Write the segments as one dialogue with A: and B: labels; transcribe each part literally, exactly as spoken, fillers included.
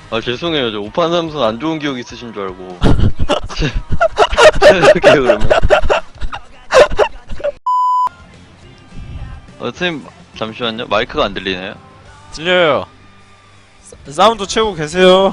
A: 아 죄송해요. 저 오판 삼선 안 좋은 기억 있으신 줄 알고. 이렇게 그러면. 어, 선생님 잠시만요. 마이크가 안 들리네요.
B: 들려요. 사, 사운드 채우고 계세요.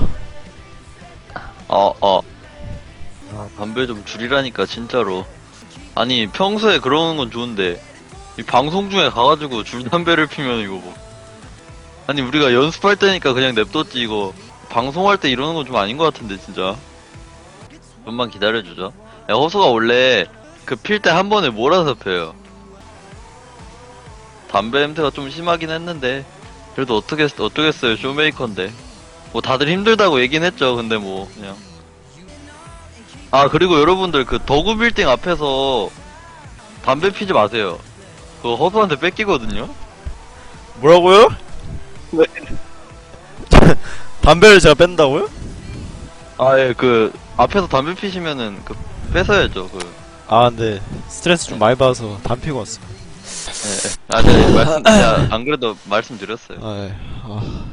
A: 어, 어. 아, 담배 좀 줄이라니까 진짜로. 아니 평소에 그러는 건 좋은데 이 방송 중에 가가지고 줄 담배를 피면 이거 뭐. 아니 우리가 연습할 때니까 그냥 냅뒀지 이거. 방송할 때 이러는 건 좀 아닌 것 같은데 진짜. 좀만 기다려주죠. 야, 호수가 원래 그 필 때 한 번에 몰아서 펴요. 담배 냄새가 좀 심하긴 했는데 그래도 어떻게 어쩌겠어요. 쇼메이커인데 뭐 다들 힘들다고 얘긴 했죠. 근데 뭐 그냥. 아 그리고 여러분들 그 더구 빌딩 앞에서 담배 피지 마세요. 그거 허수한테 뺏기거든요.
B: 뭐라고요?
A: 네.
B: 담배를 제가 뺀다고요?
A: 아예 그 앞에서 담배 피시면은 그 뺏어야죠. 그.
B: 아 근데 스트레스 좀 많이 받아서 담배 피고 왔어요.
A: 예, 예. 아, 제가 말씀, 제가 안 그래도 말씀드렸어요.
B: 아, 예. 아.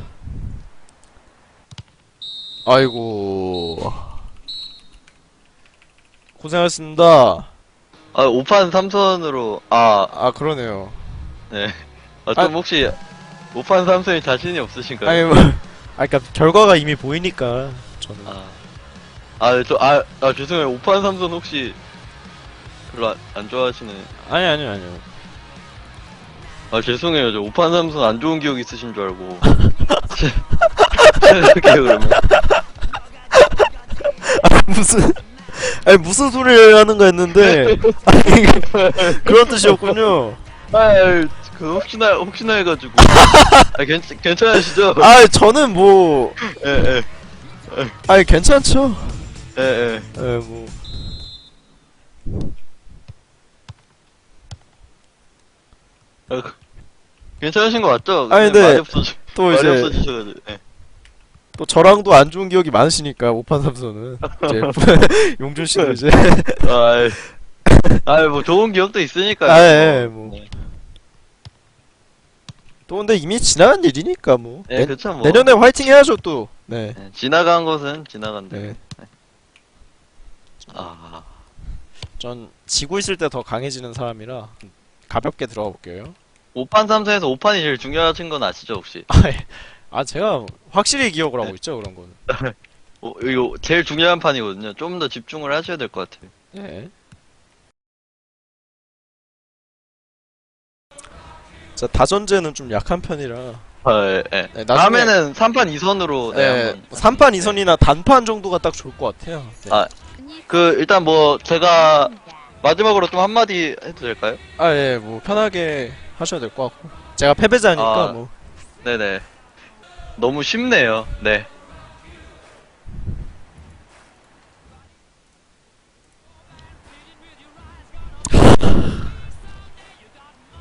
B: 아이고 고생하셨습니다.
A: 아, 오판 삼선으로, 아,
B: 아 그러네요.
A: 네. 아, 좀
B: 아.
A: 혹시, 오판 삼선이 자신이 없으신가요?
B: 아니 뭐, 아 그니까 결과가 이미 보이니까 저는.
A: 아, 아, 저, 아, 아, 죄송해요. 오판 삼선 혹시, 별로 안, 안 좋아하시는.
B: 아니 아니 아니요.
A: 아, 죄송해요. 저 오판 삼선 안 좋은 기억 있으신 줄 알고. 이렇게 그러면.
B: 무슨 아니 무슨 소리를 하는 거였는데 아니 그런 뜻이었군요.
A: 아, 그, 혹시나, 혹시나 해가지고. 아, 괜, 괜찮으시죠?
B: 아 저는 뭐
A: 예, 예,
B: 아니 괜찮죠.
A: 예, 예.
B: 예 뭐.
A: 아, 그- 괜찮으신 거 맞죠?
B: 아니,
A: 근데
B: 네.
A: 말이 없어지,
B: 또
A: 말이
B: 이제
A: 없어지셔가지고. 예.
B: 또 저랑도 안 좋은 기억이 많으시니까 오판 삼선은 이제 용준 씨도 이제
A: 아이, 아이, 뭐 좋은 기억도 있으니까요.
B: 아예 뭐.
A: 네.
B: 또 근데 이미 지나간 일이니까 뭐.
A: 예,
B: 내,
A: 그쵸, 뭐.
B: 내년에 화이팅 해야죠 또. 네.
A: 네, 지나간 것은 지나간대.
B: 네.
A: 아,
B: 전 지고 있을 때 더 강해지는 사람이라 가볍게 들어가 볼게요.
A: 오판 삼선에서 오판이 제일 중요하신 건 아시죠, 혹시?
B: 아 제가 확실히 기억을 하고
A: 네.
B: 있죠 그런 거는.
A: 어, 이거 제일 중요한 판이거든요. 좀 더 집중을 하셔야 될 것 같아요.
B: 네. 자 다전제는 좀 약한 편이라.
A: 아, 예, 예.
B: 네, 나중에-
A: 다음에는 삼 판 이 선으로, 네,
B: 네.
A: 한번.
B: 삼 판 이 선이나 단판 정도가 딱 좋을 것 같아요. 네.
A: 아, 그, 일단 뭐, 제가, 마지막으로 좀 한마디 해도 될까요?
B: 아, 예, 뭐, 편하게 하셔도 될 것 같고. 제가 패배자니까,
A: 아.
B: 뭐.
A: 네네. 너무 쉽네요. 네.